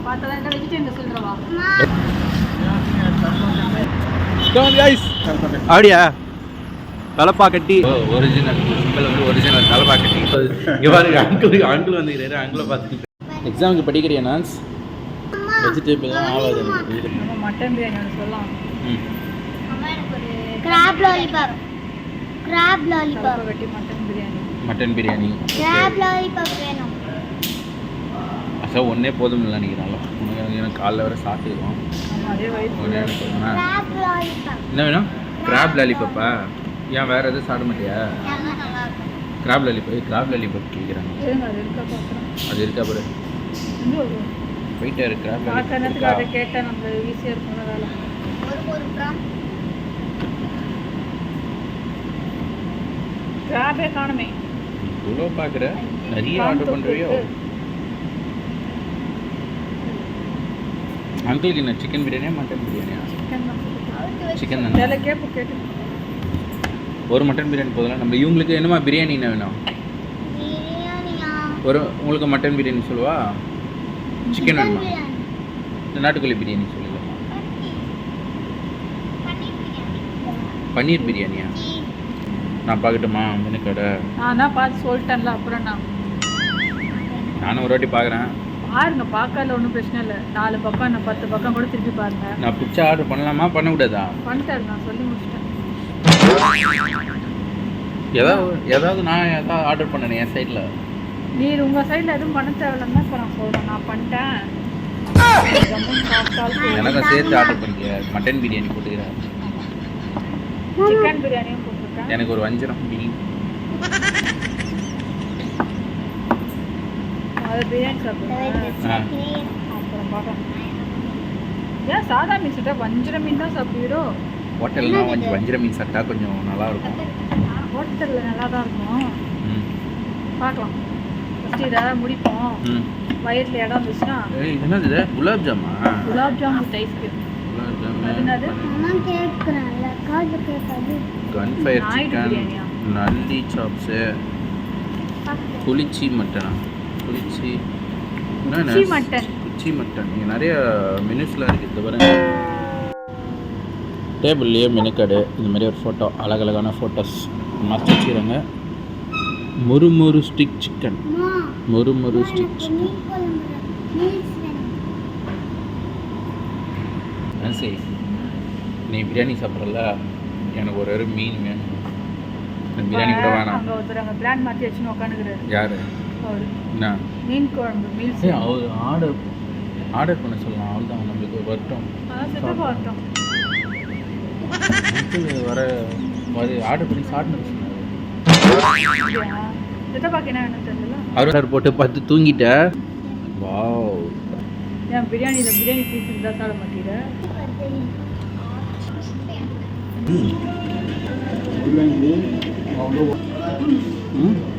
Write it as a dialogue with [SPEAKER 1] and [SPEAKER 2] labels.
[SPEAKER 1] அப்படியா தலப்பா கட்டி ஒரிஜினல் ஒரிஜினல் தலப்பா கட்டி இங்கே பாருங்க அங்கிள் வந்துக்கிறாரு அங்கிளை பார்த்துட்டு எக்ஸாமுக்கு படிக்கிறியா நான்ஸ் வெஜிடேபிள் தான் ஆகாது
[SPEAKER 2] மட்டன் பிரியாணி சொல்லலாம்
[SPEAKER 3] கிராப் லாலிபாப்
[SPEAKER 2] வெட்டி
[SPEAKER 1] மட்டன் பிரியாணி
[SPEAKER 3] கிராப் லாலிபாப் வேணும்
[SPEAKER 1] சார் ஒன்றே போதும் இல்லை நினைக்கிறாங்களோ எனக்கு காலைல வர சாப்பிட்டுருக்கோம் என்ன வேணும் கிராப் லாலிபப்பா ஏன் வேறு எதுவும் சாப்பிட மாட்டியா கிராப் லாலிபப் கேட்குறாங்க அது இருக்கா பாரு போயிட்டே இருக்கு
[SPEAKER 2] கிராப் கேட்டால் நம்ம ஈஸியாக இருக்கும் வேலை கிராபே காணுமே
[SPEAKER 1] இவ்வளோ பார்க்குற நிறைய ஆர்டர் பண்ணுறியோ அங்கிளுக்கு என்ன சிக்கன் பிரியாணியா மட்டன் பிரியாணியா சிக்கன் தானே
[SPEAKER 2] கேட்டு
[SPEAKER 1] ஒரு மட்டன் பிரியாணி போதலாம் நம்ம இவங்களுக்கு என்னமா பிரியாணி என்ன வேணும் ஒரு உங்களுக்கு மட்டன் பிரியாணி சொல்லுவா சிக்கன் வேணுமா நாட்டுக்கோழி பிரியாணி சொல்லுங்க பன்னீர் பிரியாணியா நான் பார்க்கட்டுமா மெனு கடை
[SPEAKER 2] நான் பார்த்து சொல்லிட்டேன்ல அப்புறம்
[SPEAKER 1] நானும் ஒரு வாட்டி பார்க்குறேன்
[SPEAKER 2] பாருங்க பார்க்கல ஒன்றும் பிரச்சனை இல்லை 4 பக்கம் 10 பக்கம் கூட திருப்பி பாருங்க
[SPEAKER 1] நான் பிடிச்ச ஆர்டர் பண்ணலாமா பண்ணக்கூடாதா
[SPEAKER 2] பண்ணிட்டாரு நான் சொல்லி முடிச்சிட்டேன்
[SPEAKER 1] ஏதாவது நான் ஆர்டர் பண்ணேன் என் சைடில்
[SPEAKER 2] நீர் உங்கள் சைடில் எதுவும் பண்ண தேவையில்லைன்னு இப்போ நான் சொல்கிறேன் நான் பண்ணிட்டேன்
[SPEAKER 1] எனக்கும் சேர்த்து ஆர்டர் பண்ணிக்க மட்டன் பிரியாணி போட்டுக்கிறேன்
[SPEAKER 2] சிக்கன் பிரியாணியும் போட்டிருக்கேன்
[SPEAKER 1] எனக்கு ஒரு வஞ்சரம் மீன்
[SPEAKER 2] அது பிரியாணி சாப்பிடுவேன் அப்புறம் பார்க்கலாம் ஏன் சாதா மீன் சாப்பிட்டா வஞ்சர மீன் தான் சாப்பிடுவீரோ
[SPEAKER 1] ஹோட்டல்லாம் வஞ்சர மீன் சாப்பிட்டா கொஞ்சம் நல்லா இருக்கும்
[SPEAKER 2] ஹோட்டலில் நல்லா தான் இருக்கும் பார்க்கலாம் ஃபஸ்ட்டு இதை முடிப்போம் வயிற்றில் இடம் இருந்துச்சுன்னா
[SPEAKER 1] என்னது இது குலாப்
[SPEAKER 2] ஜாமுன் வித் ஐஸ்கிரீம் என்னது
[SPEAKER 1] கன்ஃபயர் சிக்கன் நல்லி சாப்ஸு குளிச்சி மட்டனா குளிச்சி மட்டன் இங்கே நிறைய மெனுஸ்லாம் இருக்குது இது பாருங்க டேபிள்லேயே மெனு கார்டு இந்த மாதிரி ஒரு ஃபோட்டோ அழகழகான ஃபோட்டோஸ் மாற்றி வச்சுக்கிறாங்க முறுமுறு ஸ்டிக் சிக்கன் சரி நீ பிரியாணி சாப்பிட்றல எனக்கு ஒரு மீன் வேணும் பிரியாணி கூட வேணாம்
[SPEAKER 2] பிளான் மாற்றி வச்சுன்னு உட்காந்துக்கிறாரு
[SPEAKER 1] யாரு என்ன
[SPEAKER 2] மீன் குழம்பு மீல்ஸ்
[SPEAKER 1] அவர் ஆர்டர் பண்ண சொல்லலாம் அவள் தான் நம்மளுக்கு வரட்டும் வர ஆர்டர் பண்ணி சாப்பிட்டு அவர் போட்டு பார்த்து தூங்கிட்ட வாவ்
[SPEAKER 2] ஏன் பிரியாணி பீஸ் இருந்தால் சாப்பிட மாட்டேங்கிற
[SPEAKER 1] ம்